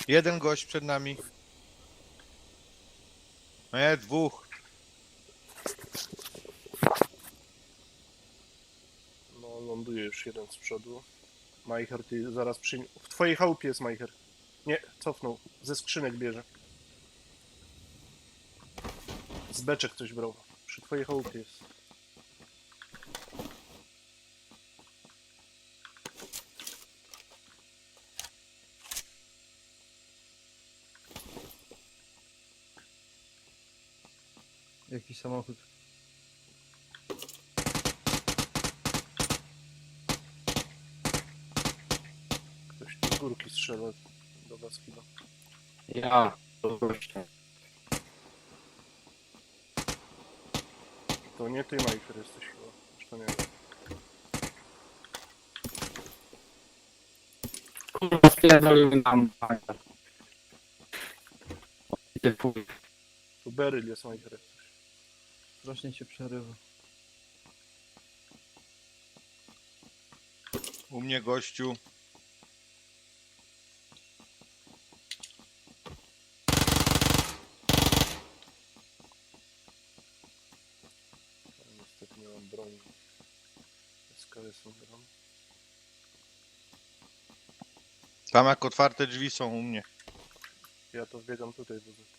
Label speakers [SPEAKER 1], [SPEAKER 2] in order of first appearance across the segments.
[SPEAKER 1] Jeden gość przed nami. Nie, dwóch.
[SPEAKER 2] No, ląduje już jeden z przodu. Majcher, ty zaraz przyjmie... W twojej chałupie jest Majcher. Nie, cofnął. Ze skrzynek bierze. Z beczek coś brał. Przy twojej chałupie jest.
[SPEAKER 3] Jakiś samochód.
[SPEAKER 2] Ktoś tu z górki strzela do was chyba.
[SPEAKER 4] Ja, to gościa.
[SPEAKER 2] To nie ty, Majcher, jesteś chyba. Zresztą nie wiem.
[SPEAKER 4] Kurwa, spierdolił nam. Ty chuj.
[SPEAKER 2] Tu Beryl jest, Majcher, jak coś.
[SPEAKER 3] Strasznie się przerywa.
[SPEAKER 1] U mnie gościu.
[SPEAKER 2] Ale niestety nie mam broni. SKS-em gram.
[SPEAKER 1] Tam jak otwarte drzwi są u mnie.
[SPEAKER 2] Ja to wbiegam tutaj do ZT.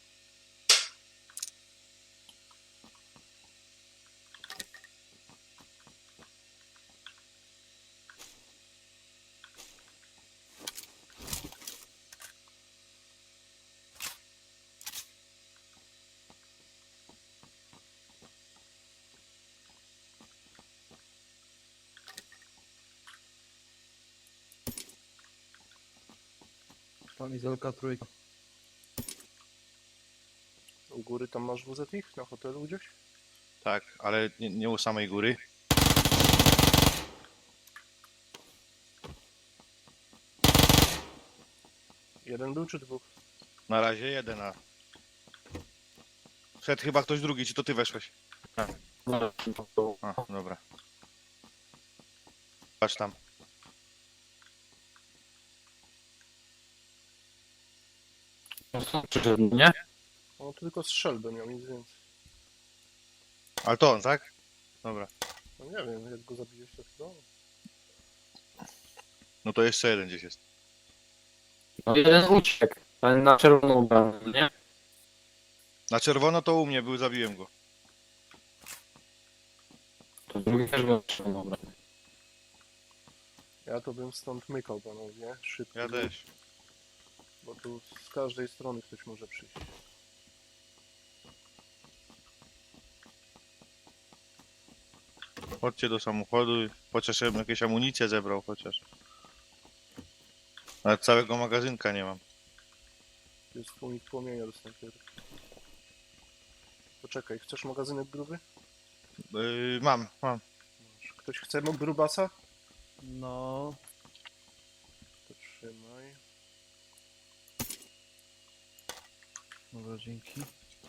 [SPEAKER 3] Kamizelka trójka.
[SPEAKER 2] U góry tam masz WZ ich? Na hotelu gdzieś?
[SPEAKER 1] Tak, ale nie u samej góry.
[SPEAKER 2] Jeden był czy dwóch?
[SPEAKER 1] Na razie jeden, a... Wszedł chyba ktoś drugi, czy to ty weszłeś? A, dobra. Patrz tam.
[SPEAKER 4] No są przyszedł, nie?
[SPEAKER 2] No tylko strzelbę miał, nic więcej.
[SPEAKER 1] Ale to on, tak? Dobra.
[SPEAKER 2] No nie wiem, jak go zabiłeś to chyba.
[SPEAKER 1] No to jeszcze jeden gdzieś jest.
[SPEAKER 4] No jeden uciekł. Ten na czerwono ubrany, nie?
[SPEAKER 1] Na czerwono to u mnie był, zabiłem go.
[SPEAKER 4] To drugi też był na czerwono ubrany.
[SPEAKER 2] Ja to bym stąd mykał, panowie. Szybko.
[SPEAKER 1] Ja też.
[SPEAKER 2] Bo tu z każdej strony ktoś może przyjść.
[SPEAKER 1] Chodźcie do samochodu, chociaż ja bym jakieś amunicje zebrał, chociaż. Ale całego magazynka nie mam.
[SPEAKER 2] Tu jest unik płomienia do snajperki. Poczekaj, chcesz magazynek gruby?
[SPEAKER 1] Mam.
[SPEAKER 2] Masz. Ktoś chce grubasa?
[SPEAKER 3] No,
[SPEAKER 2] To trzymaj.
[SPEAKER 3] dobra, dzięki.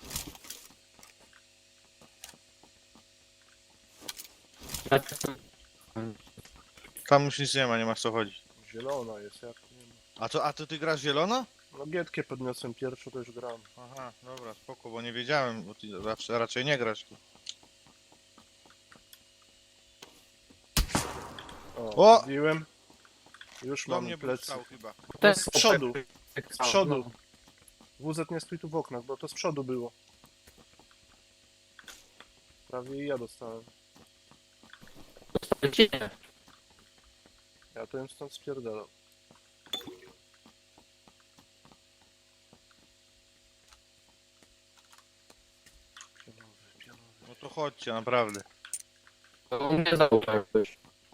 [SPEAKER 4] Ja tak-
[SPEAKER 1] Tam już nic nie ma, nie masz co chodzić.
[SPEAKER 2] Zielona jest, jak nie ma.
[SPEAKER 1] A to ty grasz zielono?
[SPEAKER 2] No gietkę podniosłem pierwszą, to już gram.
[SPEAKER 1] Aha, dobra, spoko, bo nie wiedziałem, bo ty raczej nie grasz tu. O!
[SPEAKER 2] Zabiłem. Już
[SPEAKER 1] Do
[SPEAKER 2] mam
[SPEAKER 1] mnie był
[SPEAKER 2] plecy.
[SPEAKER 1] strzał chyba.
[SPEAKER 2] No, z przodu.
[SPEAKER 4] tak
[SPEAKER 2] Z przodu. WZ nie stój tu w oknach, bo to z przodu było. Prawie i ja dostałem.
[SPEAKER 4] No, nie.
[SPEAKER 2] Ja to bym stąd spierdalał. Pionowy, pionowy.
[SPEAKER 1] No to chodźcie, naprawdę.
[SPEAKER 4] To on nie zaufał jakbyś.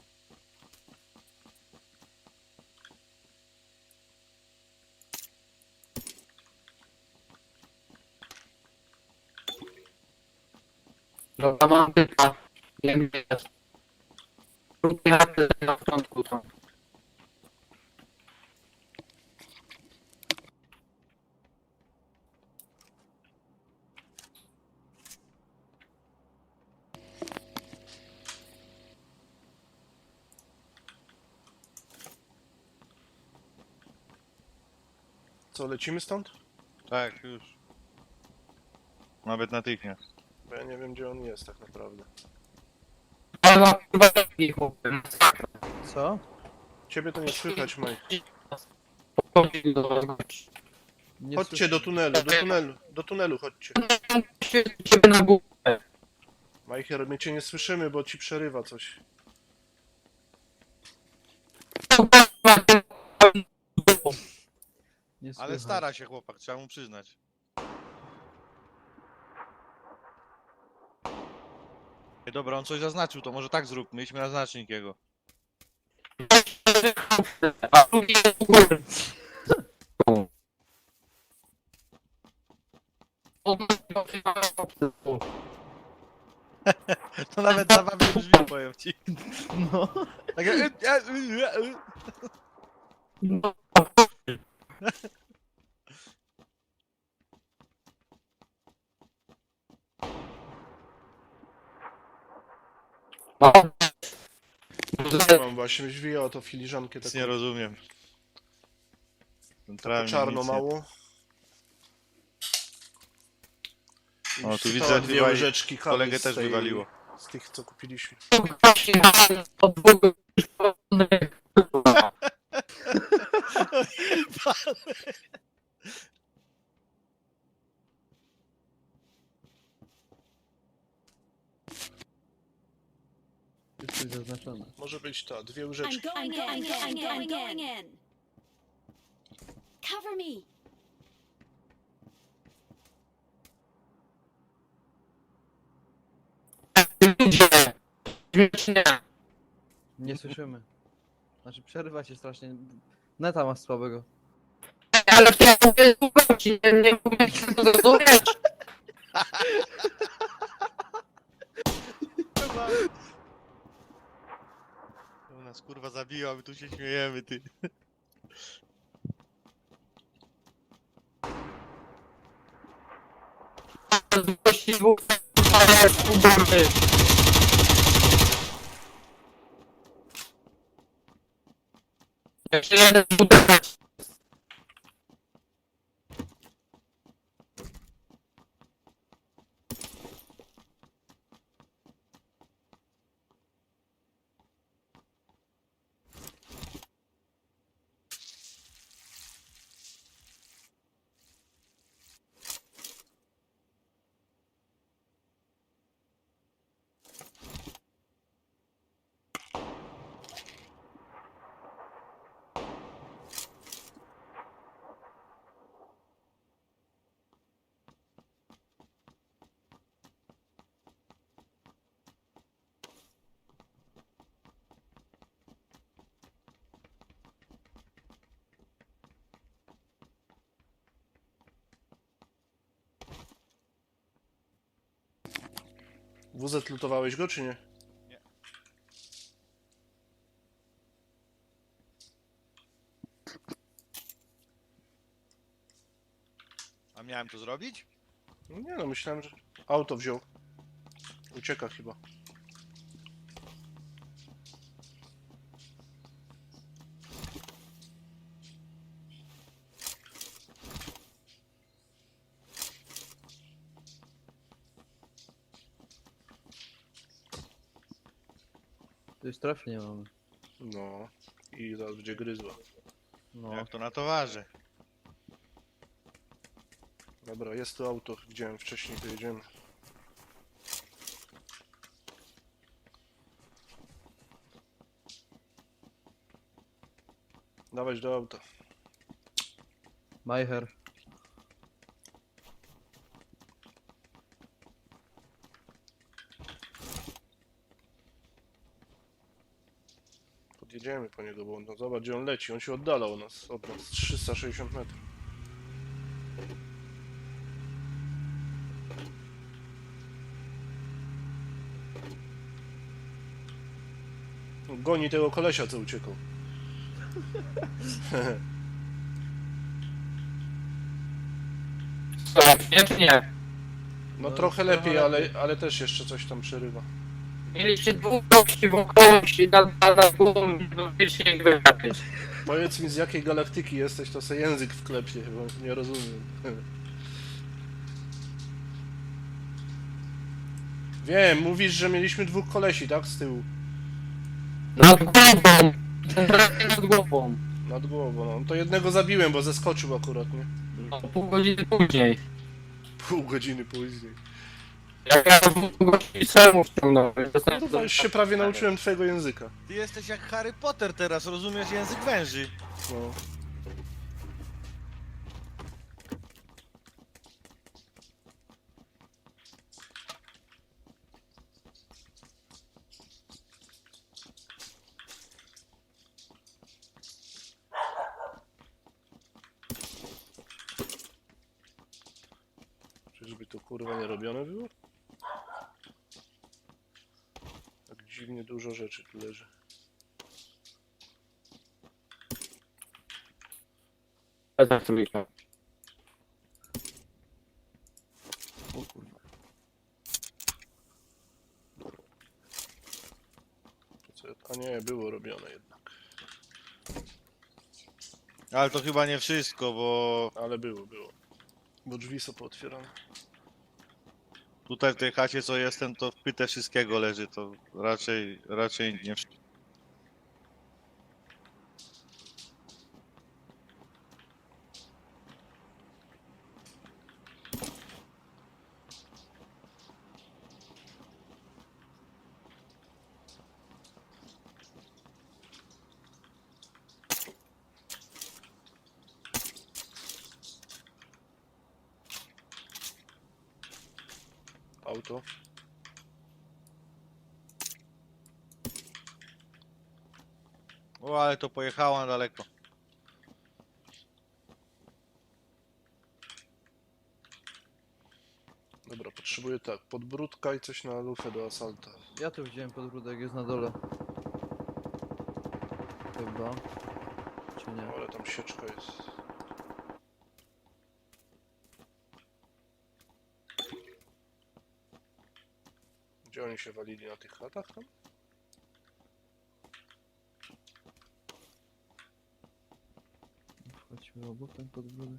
[SPEAKER 4] Dobra, mam pyta. Wiem, gdzie jest. Krótkie chaty na początku są.
[SPEAKER 2] Co, lecimy stąd?
[SPEAKER 1] Tak, już. Nawet natychmiast.
[SPEAKER 2] Bo ja nie wiem, gdzie on jest tak naprawdę.
[SPEAKER 4] Ale ma chyba taki chłopy.
[SPEAKER 3] Co?
[SPEAKER 2] Ciebie to nie słychać, Mike.
[SPEAKER 3] Nie
[SPEAKER 2] Chodźcie do tunelu, do tunelu chodźcie.
[SPEAKER 4] Ciebie na górę.
[SPEAKER 2] Majcher, my cię nie słyszymy, bo ci przerywa coś.
[SPEAKER 3] Nie
[SPEAKER 1] Ale
[SPEAKER 3] słychać.
[SPEAKER 1] stara się chłopak, trzeba mu przyznać. Ej, dobra, on coś zaznaczył, to może tak zróbmy, idźmy na znacznik jego.
[SPEAKER 4] A tu jest u góry.
[SPEAKER 1] To nawet zabawnie brzmi, powiem ci.
[SPEAKER 3] No.
[SPEAKER 1] Tak,
[SPEAKER 2] Mam właśnie zwijał to filiżankę
[SPEAKER 1] nic
[SPEAKER 2] taką
[SPEAKER 1] nie rozumiem. Centralnie
[SPEAKER 2] czarno
[SPEAKER 1] nic nie-
[SPEAKER 2] mało. I
[SPEAKER 1] O, tu
[SPEAKER 2] wsypała
[SPEAKER 1] widzę,
[SPEAKER 2] dwie
[SPEAKER 1] chyba
[SPEAKER 2] łyżeczki kawy
[SPEAKER 1] kolegę
[SPEAKER 2] z
[SPEAKER 1] też
[SPEAKER 2] tej-
[SPEAKER 1] wywaliło.
[SPEAKER 2] Z tych, co kupiliśmy.
[SPEAKER 3] Jest coś zaznaczone.
[SPEAKER 2] Może być ta, dwie
[SPEAKER 5] I'm
[SPEAKER 2] łyżeczki.
[SPEAKER 5] going in. I'm going in. Cover me.
[SPEAKER 3] Nie słyszymy. Znaczy przerywa się strasznie. Neta ma słabego.
[SPEAKER 4] Ale to ja mówię słuchajcie, nie umiem się to zrozumieć.
[SPEAKER 1] To nas kurwa zabiła, my tu się śmiejemy, ty.
[SPEAKER 4] Jeszcze jeden budynek.
[SPEAKER 2] WZ lutowałeś go, czy nie?
[SPEAKER 1] A miałem to zrobić?
[SPEAKER 2] Nie no, myślałem, że auto wziął. Ucieka chyba.
[SPEAKER 3] Tu już strefy nie mamy.
[SPEAKER 2] No. I zaraz będzie gryzła.
[SPEAKER 3] No.
[SPEAKER 1] Jak to na towarze.
[SPEAKER 2] Dobra, jest to auto. Widziałem wcześniej, to jedziemy. Dawać do auta.
[SPEAKER 3] Majher.
[SPEAKER 2] Podjedziemy po niego, bo on, no zobacz gdzie on leci. On się oddala od nas 360 metrów. Goni tego kolesia, co uciekał.
[SPEAKER 4] Nie, czy nie?
[SPEAKER 2] No
[SPEAKER 3] No,
[SPEAKER 2] trochę
[SPEAKER 3] trochę
[SPEAKER 2] lepiej,
[SPEAKER 3] lepiej.
[SPEAKER 2] ale też jeszcze coś tam przerywa.
[SPEAKER 4] Mieliście dwóch gości wokół się na głową, faktycznie ich wygapić.
[SPEAKER 2] Powiedz mi, z jakiej galaktyki jesteś, to se język wklepie, bo nie rozumiem. Wiem, mówisz, że mieliśmy dwóch kolesi, tak? Z tyłu.
[SPEAKER 4] Nad głową! Centralnie nad głową.
[SPEAKER 2] Nad głową, no. To jednego zabiłem, bo zeskoczył akurat, nie?
[SPEAKER 4] No, pół godziny później.
[SPEAKER 2] Pół godziny później.
[SPEAKER 4] Jak ja dwóch gości samemu wciągnąłem.
[SPEAKER 2] No to już się prawie nauczyłem twojego języka.
[SPEAKER 1] Ty jesteś jak Harry Potter teraz, rozumiesz język węży.
[SPEAKER 2] No. Czyżby to kurwa nie robione było? Tak dziwnie dużo rzeczy tu leży.
[SPEAKER 4] Za trójkę.
[SPEAKER 3] O kurwa.
[SPEAKER 2] A nie, było robione jednak.
[SPEAKER 1] Ale to chyba nie wszystko, bo
[SPEAKER 2] Ale było. Bo drzwi są pootwierane.
[SPEAKER 1] tutaj w tej chacie co jestem, to w pyte wszystkiego leży, to raczej nie wszystko.
[SPEAKER 2] Auto.
[SPEAKER 1] O, ale to pojechało na daleko.
[SPEAKER 2] Dobra, potrzebuję tak, podbródka i coś na lufę do asalta.
[SPEAKER 3] Ja tu wziąłem podbródek, jest na dole. Chyba. Czy nie?
[SPEAKER 2] Ale tam sieczka jest. Gdzie oni się walili na tych chatach tam?
[SPEAKER 3] Wchodźmy obok ten podbródek.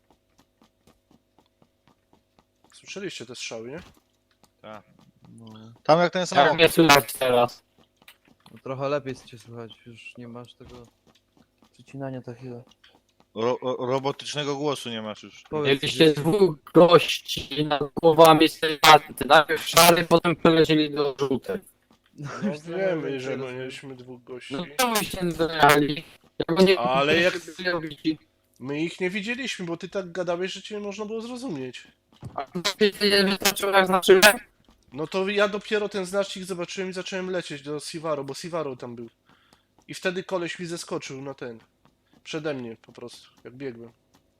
[SPEAKER 2] Słyszeliście te strzały, nie?
[SPEAKER 1] Tak.
[SPEAKER 3] No.
[SPEAKER 1] Tam jak ten
[SPEAKER 4] Jak
[SPEAKER 1] samochód.
[SPEAKER 4] mnie słychać teraz?
[SPEAKER 3] No trochę lepiej cię słychać, już nie masz tego przycinania takiego.
[SPEAKER 1] Robotycznego głosu nie masz już.
[SPEAKER 3] Powiedz
[SPEAKER 4] Mieliście dwóch gości nad głowami sylwaty. Najpierw szary, potem przelecieli do żółtych.
[SPEAKER 2] No
[SPEAKER 3] już trochę
[SPEAKER 2] wiemy,
[SPEAKER 3] więcej
[SPEAKER 2] że
[SPEAKER 3] rozumiem.
[SPEAKER 2] mieliśmy dwóch gości.
[SPEAKER 4] No to byście wyjechali. Ja go nie
[SPEAKER 2] Ale jak-
[SPEAKER 4] robić.
[SPEAKER 2] My ich nie widzieliśmy, bo ty tak gadałeś, że cię nie można było zrozumieć.
[SPEAKER 4] A ty nie wystarczyło jak znaczyłem?
[SPEAKER 2] No to ja dopiero ten znacznik zobaczyłem i zacząłem lecieć do Sivaro, bo Sivaro tam był. I wtedy koleś mi zeskoczył na ten. Przede mnie po prostu, jak biegłem.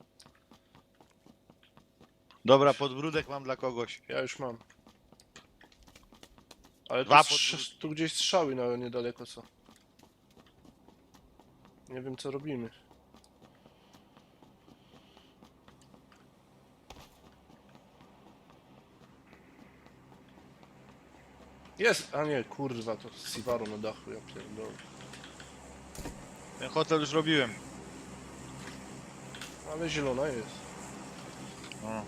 [SPEAKER 1] Dobra, podbródek mam dla kogoś.
[SPEAKER 2] Ja już mam. Ale tu,
[SPEAKER 1] Dwa
[SPEAKER 2] tu gdzieś strzały na niedaleko są. Nie wiem co robimy. Jest! A nie, kurwa, to Sivaro na dachu, ja pierdolę.
[SPEAKER 1] Ten hotel już robiłem.
[SPEAKER 2] Ale zielona jest.
[SPEAKER 1] O.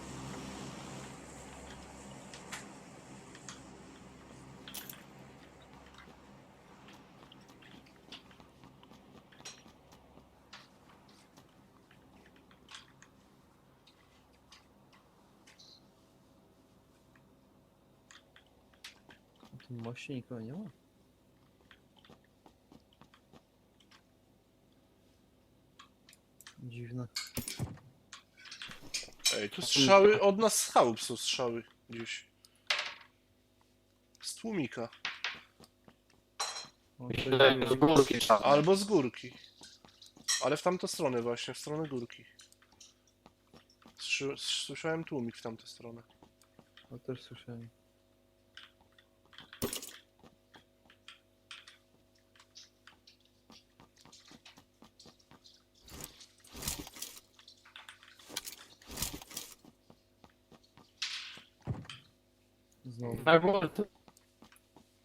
[SPEAKER 3] Na tym moście nikogo nie ma. Dziwne.
[SPEAKER 2] Ej, tu strzały od nas z chałup są strzały gdzieś. Z tłumika.
[SPEAKER 3] O,
[SPEAKER 4] Myślę,
[SPEAKER 3] ktoś
[SPEAKER 4] że z górki trzeba.
[SPEAKER 2] Albo z górki. Ale w tamtą stronę właśnie, w stronę górki. Słyszałem tłumik w tamtą stronę.
[SPEAKER 3] O, też słyszałem. Znowu.
[SPEAKER 4] Na górce.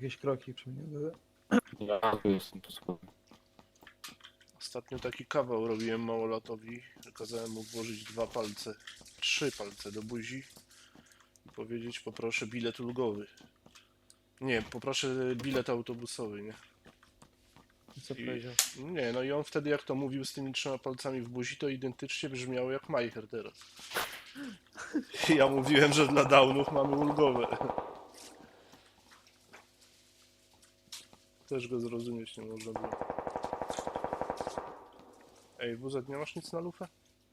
[SPEAKER 3] Jakieś kroki przy mnie były.
[SPEAKER 4] Ja tu jestem po schodach.
[SPEAKER 2] Ostatnio taki kawał robiłem małolatowi. Kazałem mu włożyć 2 palce, 3 palce do buzi i powiedzieć poproszę bilet ulgowy. Nie, poproszę bilet autobusowy, nie?
[SPEAKER 3] I co
[SPEAKER 2] I-
[SPEAKER 3] powiedział?
[SPEAKER 2] Nie, no i on wtedy jak to mówił z tymi 3 palcami w buzi, to identycznie brzmiało jak Majcher teraz. I ja mówiłem, że dla downów mamy ulgowe. Też go zrozumieć nie można było. Ej, WZ, nie masz nic na lufę?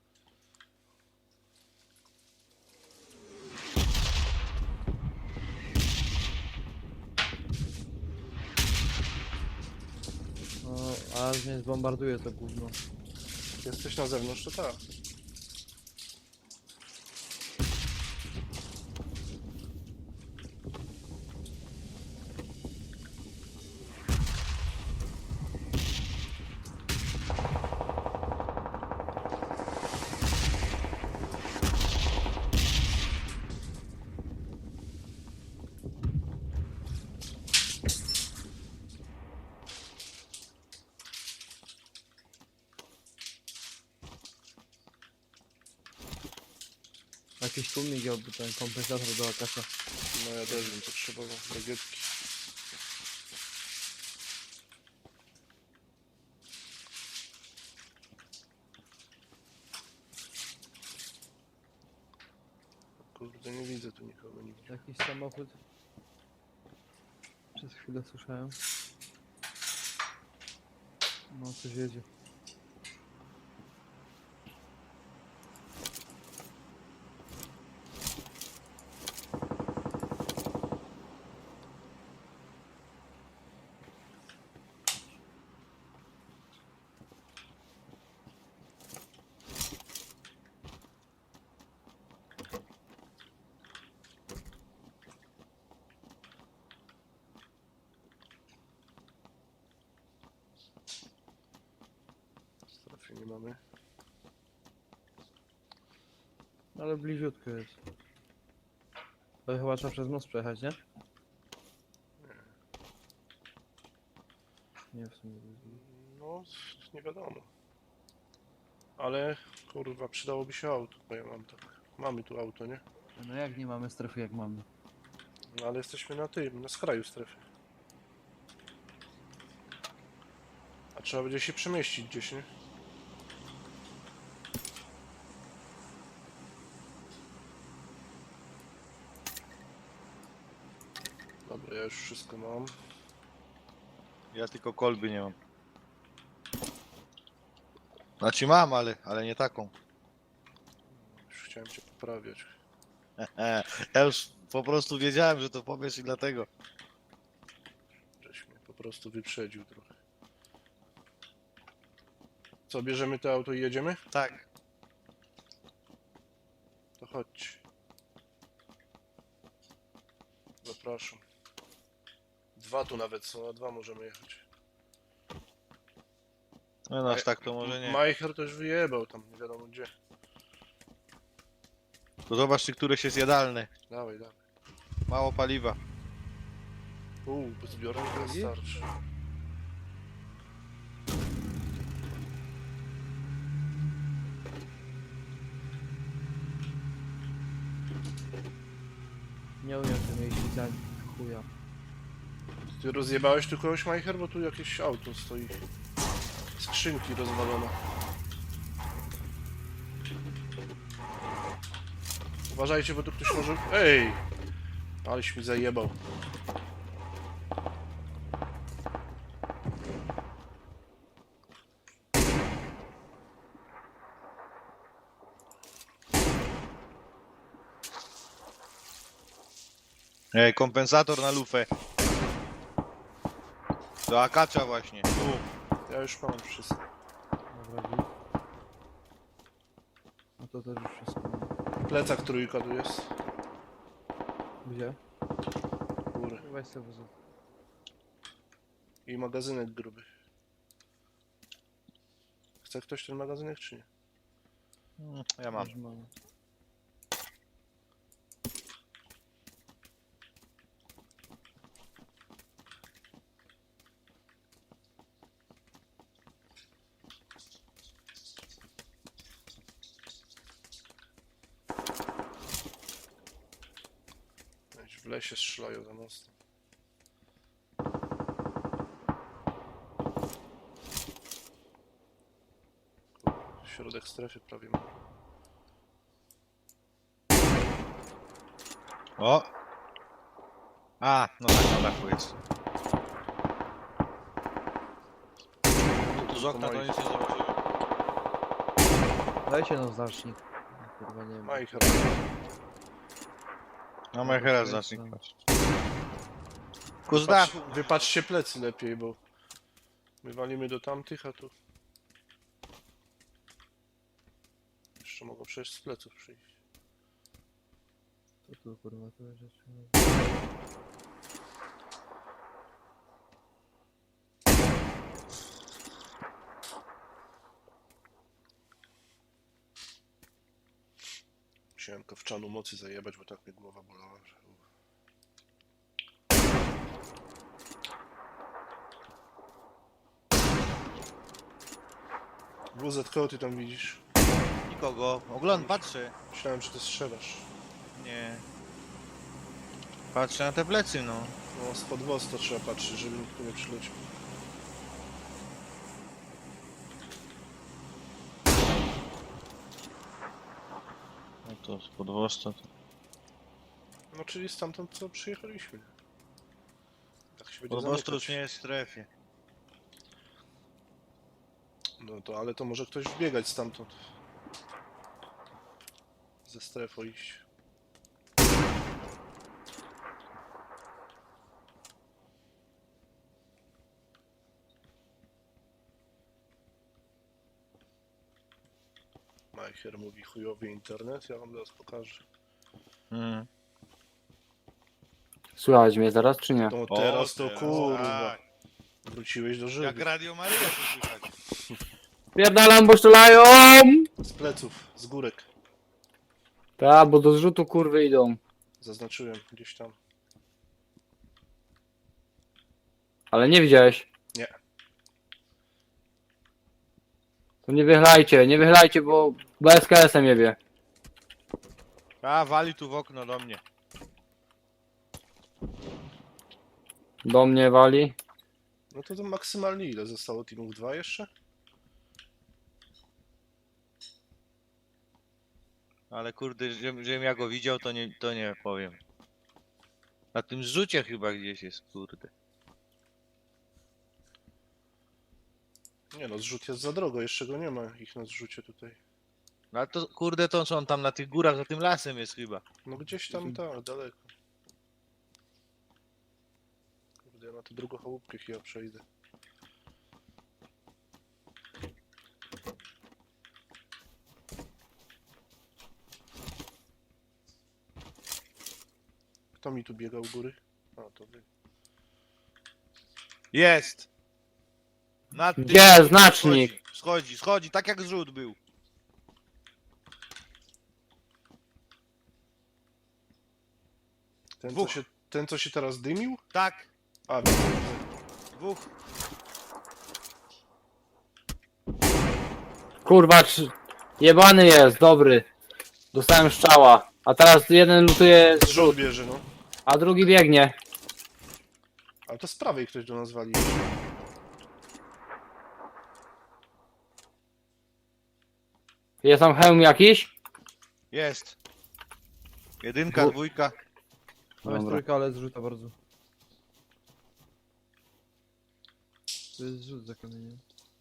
[SPEAKER 3] No, a mnie zbombarduje to gówno.
[SPEAKER 2] Jesteś na zewnątrz, to tak.
[SPEAKER 3] Jakiś tu migiałby ten kompensator do akasza.
[SPEAKER 2] No ja też bym potrzebował bagietki. Kurde, nie widzę tu nikogo nigdzie.
[SPEAKER 3] Jakiś samochód. Przez chwilę słyszałem. No, coś jedzie.
[SPEAKER 2] Strefy nie mamy.
[SPEAKER 3] Ale bliziutko jest. To chyba trzeba przez most przejechać, nie? Nie, w sumie.
[SPEAKER 2] No, nie wiadomo. Ale, kurwa, przydałoby się auto, bo ja mam tak. Mamy tu auto, nie?
[SPEAKER 3] No jak nie mamy strefy, jak mamy?
[SPEAKER 2] No, ale jesteśmy na tym, na skraju strefy. A trzeba będzie się przemieścić gdzieś, nie? Dobra, ja już wszystko mam.
[SPEAKER 1] Ja tylko kolby nie mam. Znaczy mam, ale nie taką.
[SPEAKER 2] Już chciałem cię poprawiać.
[SPEAKER 1] Ja już po prostu wiedziałem, że to powiesz i dlatego.
[SPEAKER 2] Żeś mnie po prostu wyprzedził trochę. Co, bierzemy to auto i jedziemy?
[SPEAKER 1] Tak.
[SPEAKER 2] To chodź. Zapraszam. 2 tu nawet są, a 2 możemy jechać.
[SPEAKER 1] No aż tak to może nie.
[SPEAKER 2] Majcher to już wyjebał tam, nie wiadomo gdzie.
[SPEAKER 1] To zobacz, czy któreś jest jadalne.
[SPEAKER 2] Dawaj, dawaj.
[SPEAKER 1] Mało paliwa.
[SPEAKER 2] Zbiornik to starczy.
[SPEAKER 3] Nie umiem tym jeździć za chuja.
[SPEAKER 2] Ty rozjebałeś tu kogoś, Majcher? Bo tu jakieś auto stoi. Skrzynki rozwalone. Uważajcie, bo tu ktoś może... Ej! Aleś mi zajebał.
[SPEAKER 1] Ej, kompensator na lufę. Do akacza właśnie. Tu.
[SPEAKER 2] Ja już mam wszystko.
[SPEAKER 3] Dobra, git. No to też już wszystko mam.
[SPEAKER 2] Plecak trójka tu jest.
[SPEAKER 3] Gdzie?
[SPEAKER 2] Góry.
[SPEAKER 3] Weź sobie wóz.
[SPEAKER 2] I magazynek gruby. Chce ktoś ten magazynek, czy nie?
[SPEAKER 1] Ja mam.
[SPEAKER 3] Już mamy.
[SPEAKER 2] W lesie strzelają za mostem. Środek strefy prawie ma.
[SPEAKER 1] O! A, no tak, na dachu jest. Tu z okna to nic nie zobaczyłem.
[SPEAKER 3] Dajcie no znacznik. Kurwa nie wiem.
[SPEAKER 2] Majcher.
[SPEAKER 1] Na Majchera znacznik patrz. Ku z dachu.
[SPEAKER 2] Wypatrzcie plecy lepiej, bo my walimy do tamtych, a tu jeszcze mogą przejść z pleców przyjść.
[SPEAKER 3] Co tu kurwa tu jest?
[SPEAKER 2] Musiałem kowczanu mocy zajebać, bo tak mnie głowa bolała, że... WZ, kogo ty tam widzisz?
[SPEAKER 1] Nikogo. Ogląd, patrzę.
[SPEAKER 2] Myślałem, że ty strzelasz.
[SPEAKER 1] Nie. Patrzę na te plecy, no.
[SPEAKER 2] No, spod woz to trzeba patrzeć, żeby nikt tu nie przyleciał.
[SPEAKER 1] No to z podwosta.
[SPEAKER 2] No, czyli stamtąd, co przyjechaliśmy. Tak się będzie
[SPEAKER 1] Podwosta już
[SPEAKER 2] zamykać.
[SPEAKER 1] nie jest w strefie.
[SPEAKER 2] No to, ale to może ktoś wbiegać stamtąd. Ze strefą iść. Majcher mówi chujowy internet, ja wam teraz pokażę.
[SPEAKER 1] Mhm.
[SPEAKER 4] Słychać mnie zaraz, czy nie?
[SPEAKER 2] No
[SPEAKER 1] O,
[SPEAKER 2] teraz to
[SPEAKER 1] teraz,
[SPEAKER 2] kurwa.
[SPEAKER 1] tak.
[SPEAKER 2] Wróciłeś do
[SPEAKER 1] Jak
[SPEAKER 2] żywych.
[SPEAKER 1] Radio Maryja to słychać.
[SPEAKER 4] Pierdalam, bo strzelają!
[SPEAKER 2] Z pleców, z górek.
[SPEAKER 4] Tak, bo do zrzutu kurwy idą.
[SPEAKER 2] Zaznaczyłem gdzieś tam.
[SPEAKER 4] Ale nie widziałeś.
[SPEAKER 2] Nie.
[SPEAKER 4] To nie wychylajcie, bo BSKS-em jebie.
[SPEAKER 1] A, wali tu w okno do mnie.
[SPEAKER 4] Do mnie wali.
[SPEAKER 2] No to maksymalnie ile zostało teamów? 2 jeszcze?
[SPEAKER 1] Ale kurde, żebym ja go widział, to nie powiem. Na tym zrzucie chyba gdzieś jest, kurde.
[SPEAKER 2] Nie no, zrzut jest za drogo, jeszcze go nie ma ich na zrzucie tutaj.
[SPEAKER 1] No ale to kurde, to co on tam na tych górach, za tym lasem jest chyba.
[SPEAKER 2] No gdzieś tam, tak, daleko. Kurde, ja na tę drugą chałupkę chyba przejdę. Kto mi tu biegał u góry? A, to wy.
[SPEAKER 1] Jest! Na tym
[SPEAKER 4] Gdzie znacznik?
[SPEAKER 1] Schodzi, tak jak zrzut był. Dwóch.
[SPEAKER 2] Ten, co się teraz dymił?
[SPEAKER 1] Tak,
[SPEAKER 2] A, widzę.
[SPEAKER 1] dwóch.
[SPEAKER 4] Kurwa, jebany jest, dobry. Dostałem strzała. A teraz jeden lutuje
[SPEAKER 2] Zrzut
[SPEAKER 4] zrzut,
[SPEAKER 2] bierze, no.
[SPEAKER 4] a drugi biegnie.
[SPEAKER 2] Ale to z prawej ktoś do nas wali.
[SPEAKER 4] Jest tam hełm jakiś?
[SPEAKER 1] Jest. Jedynka, dwójka.
[SPEAKER 3] Tam jest
[SPEAKER 4] Dobra.
[SPEAKER 3] trójka, ale zrzuta bardzo. To jest zrzut za kamieniem.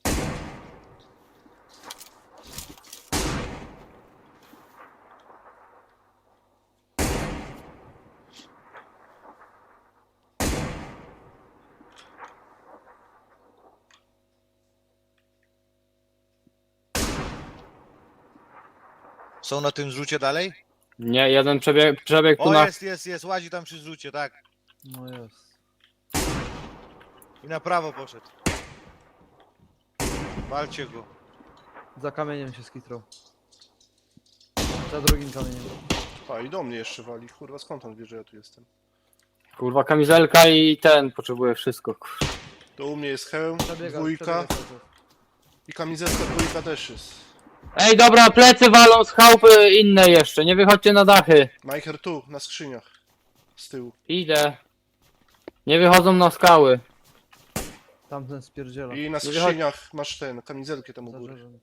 [SPEAKER 1] Są na tym zrzucie dalej?
[SPEAKER 4] Nie, jeden przebiegł tu
[SPEAKER 1] O,
[SPEAKER 4] na...
[SPEAKER 1] jest, łazi tam przy zrzucie, tak.
[SPEAKER 3] No jest.
[SPEAKER 1] I na prawo poszedł. Walcie go.
[SPEAKER 3] Za kamieniem się skitrał. Za drugim kamieniem.
[SPEAKER 2] A, i do mnie jeszcze wali. Kurwa, skąd on wie, że ja tu jestem?
[SPEAKER 4] Kurwa, kamizelka i ten, potrzebuje wszystko. Kurwa.
[SPEAKER 2] To u mnie jest hełm,
[SPEAKER 3] Przebiega,
[SPEAKER 2] dwójka
[SPEAKER 3] przebiega cały czas.
[SPEAKER 2] i kamizelka dwójka też jest.
[SPEAKER 4] Ej, dobra, plecy walą z chałupy inne jeszcze, nie wychodźcie na dachy.
[SPEAKER 2] Majcher tu, na skrzyniach. z tyłu.
[SPEAKER 4] Idę. Nie wychodzą na skały.
[SPEAKER 3] Tamten spierdziela.
[SPEAKER 2] I na
[SPEAKER 4] wychodzi-
[SPEAKER 2] skrzyniach masz kamizelkę tam u góry.
[SPEAKER 3] Zażarzony.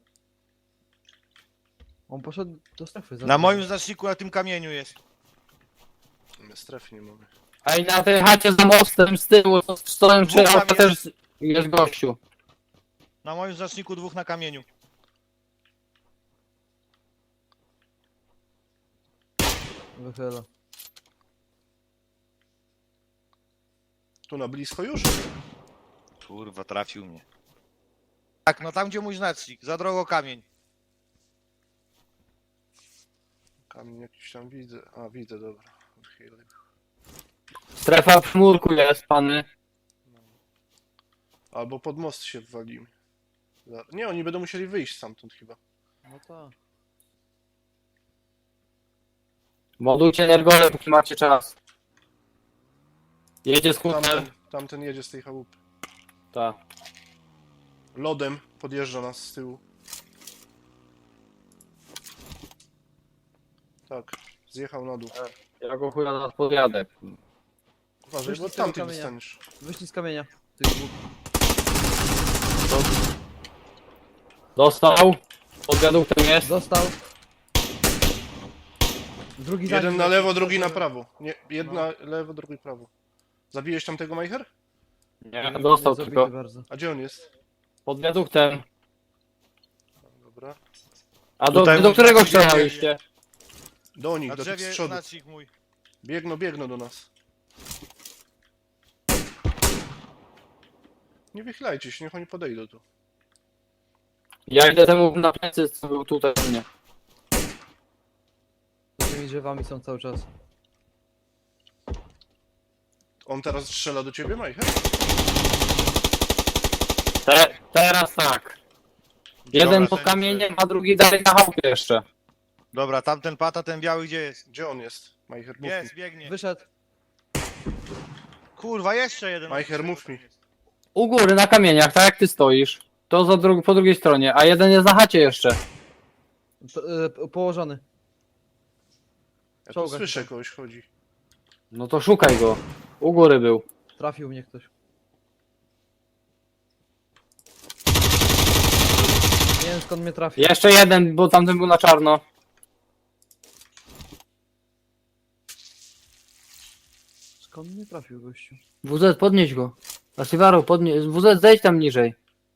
[SPEAKER 3] On poszedł do strefy.
[SPEAKER 1] Na moim znaczniku na tym kamieniu jest.
[SPEAKER 2] My strefy nie mamy.
[SPEAKER 4] Ej, na tej chacie za mostem z tyłu stoją trzy
[SPEAKER 1] Dwóch tam
[SPEAKER 4] auta, też jest gościu.
[SPEAKER 1] Na moim znaczniku 2 na kamieniu.
[SPEAKER 3] Wychyla.
[SPEAKER 2] Tu na blisko już?
[SPEAKER 1] Kurwa, trafił mnie. Tak, no tam gdzie mój znacznik, za drogo kamień.
[SPEAKER 2] Kamień jakiś tam widzę. A, widzę, dobra. Odchylę.
[SPEAKER 4] Strefa w murku jest, pany.
[SPEAKER 2] Albo pod most się wwalimy. Nie, oni będą musieli wyjść stamtąd chyba.
[SPEAKER 3] No tak.
[SPEAKER 4] Modujcie energole, póki macie czas. Jedzie skuter.
[SPEAKER 2] Tamten jedzie z tej chałupy.
[SPEAKER 4] Tak.
[SPEAKER 2] Lodem podjeżdża nas z tyłu. Tak, zjechał na dół.
[SPEAKER 4] Ja go chuja nas podjadę.
[SPEAKER 2] Uważaj,
[SPEAKER 3] Wyszli
[SPEAKER 2] bo
[SPEAKER 3] z tego
[SPEAKER 2] tamtych
[SPEAKER 3] kamienia.
[SPEAKER 2] dostaniesz.
[SPEAKER 3] Wyszli z kamienia. Tych dwóch.
[SPEAKER 4] Dostał. Pod wiaduktem jest.
[SPEAKER 3] Dostał. Drugi za
[SPEAKER 2] Jeden
[SPEAKER 3] nim
[SPEAKER 2] na
[SPEAKER 3] leci.
[SPEAKER 2] lewo, drugi na prawo. Nie, jedna lewo, drugi prawo. Zabiłeś tamtego Majcher?
[SPEAKER 4] Nie, dostał
[SPEAKER 3] Zabity
[SPEAKER 4] tylko.
[SPEAKER 3] bardzo.
[SPEAKER 2] A gdzie on jest?
[SPEAKER 4] Pod wiaduktem.
[SPEAKER 2] Dobra.
[SPEAKER 4] A
[SPEAKER 1] Tutaj
[SPEAKER 4] do którego
[SPEAKER 1] na drzewie.
[SPEAKER 4] strzelaliście?
[SPEAKER 2] Do nich,
[SPEAKER 1] Na
[SPEAKER 2] do tych z
[SPEAKER 1] drzewie
[SPEAKER 2] przodu.
[SPEAKER 1] znacznik mój.
[SPEAKER 2] Biegną do nas. Nie wychylajcie się, niech oni podejdą tu.
[SPEAKER 4] Ja idę temu na plecy, co był tutaj u mnie.
[SPEAKER 3] Z tymi drzewami są cały czas.
[SPEAKER 2] On teraz strzela do ciebie, Majcher?
[SPEAKER 4] Teraz tak. Jeden
[SPEAKER 1] Dobra,
[SPEAKER 4] pod kamieniem, a drugi dalej na chałupie jeszcze.
[SPEAKER 1] Dobra, tamten pata, ten biały gdzie jest?
[SPEAKER 2] Gdzie on jest? Majcher, mów
[SPEAKER 1] Jest,
[SPEAKER 2] mi.
[SPEAKER 1] biegnie.
[SPEAKER 3] Wyszedł.
[SPEAKER 1] Kurwa, jeszcze jeden.
[SPEAKER 2] Majcher, mów mi.
[SPEAKER 4] U góry na kamieniach, tak jak ty stoisz. To po drugiej stronie, a jeden jest na chacie jeszcze.
[SPEAKER 3] Położony.
[SPEAKER 2] Ja tu
[SPEAKER 3] Czołga się
[SPEAKER 2] słyszę,
[SPEAKER 3] tam.
[SPEAKER 2] kogoś chodzi.
[SPEAKER 4] No to szukaj go. U góry był.
[SPEAKER 3] Trafił mnie ktoś. Nie wiem skąd mnie trafił.
[SPEAKER 4] Jeszcze jeden, bo tamten był na czarno.
[SPEAKER 3] Skąd mnie trafił gościu?
[SPEAKER 4] WZ, podnieś go. Asivaru, podnieś. WZ, zejdź tam niżej.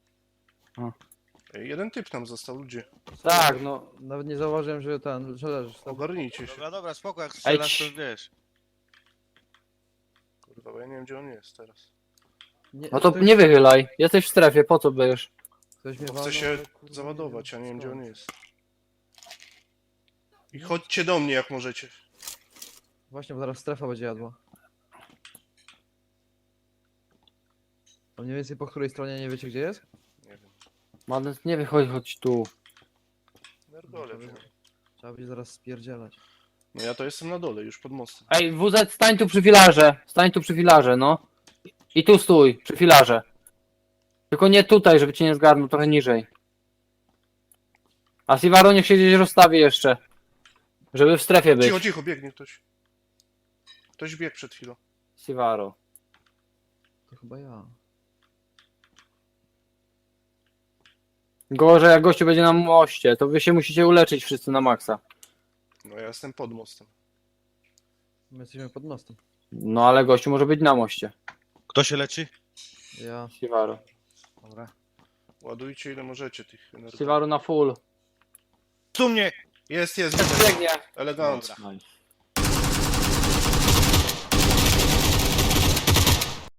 [SPEAKER 2] Ej, jeden typ tam został, ludzie.
[SPEAKER 4] Tak, no.
[SPEAKER 3] Nawet nie zauważyłem, że leżysz tam.
[SPEAKER 2] Ogarnijcie się.
[SPEAKER 1] Dobra, spoko, jak strzelasz to
[SPEAKER 4] Ej,
[SPEAKER 1] wiesz.
[SPEAKER 2] Kurwa, bo ja nie wiem, gdzie on jest teraz.
[SPEAKER 4] No to nie wychylaj. Jesteś w strefie, po co będziesz?
[SPEAKER 3] Ktoś mnie
[SPEAKER 2] Bo
[SPEAKER 3] walnął,
[SPEAKER 2] chcę się
[SPEAKER 3] ale kurwa
[SPEAKER 2] załadować, a nie wiem, gdzie on
[SPEAKER 3] skąd.
[SPEAKER 2] jest. I chodźcie do mnie, jak możecie.
[SPEAKER 3] Właśnie, bo zaraz strefa będzie jadła. A mniej więcej po której stronie nie wiecie gdzie jest?
[SPEAKER 2] Nie wiem.
[SPEAKER 4] Madness, nie wychodź, chodź tu.
[SPEAKER 2] Nergole wiem.
[SPEAKER 3] Trzeba będzie zaraz spierdzielać.
[SPEAKER 2] No ja to jestem na dole, już pod mostem.
[SPEAKER 4] Ej, WZ, stań tu przy filarze. Stań tu przy filarze, no. I tu stój, przy filarze. Tylko nie tutaj, żeby cię nie zgarnął, trochę niżej. A Sivaro niech się gdzieś rozstawi jeszcze. Żeby w strefie być.
[SPEAKER 2] Cicho, cicho, biegnie ktoś. Ktoś biegł przed chwilą.
[SPEAKER 4] Sivaro.
[SPEAKER 3] To chyba ja.
[SPEAKER 4] Gorzej jak gościu będzie na moście, to wy się musicie uleczyć wszyscy na maksa.
[SPEAKER 2] No ja jestem pod mostem.
[SPEAKER 3] My jesteśmy pod mostem.
[SPEAKER 4] No ale gościu może być na moście.
[SPEAKER 1] Kto się leczy?
[SPEAKER 3] Ja.
[SPEAKER 4] Sivaro.
[SPEAKER 1] Dobra.
[SPEAKER 2] Ładujcie ile możecie tych energii.
[SPEAKER 4] Sivaro na full.
[SPEAKER 1] Tu mnie!
[SPEAKER 2] Jest,
[SPEAKER 4] Biegnie.
[SPEAKER 2] elegancko.
[SPEAKER 4] Nice.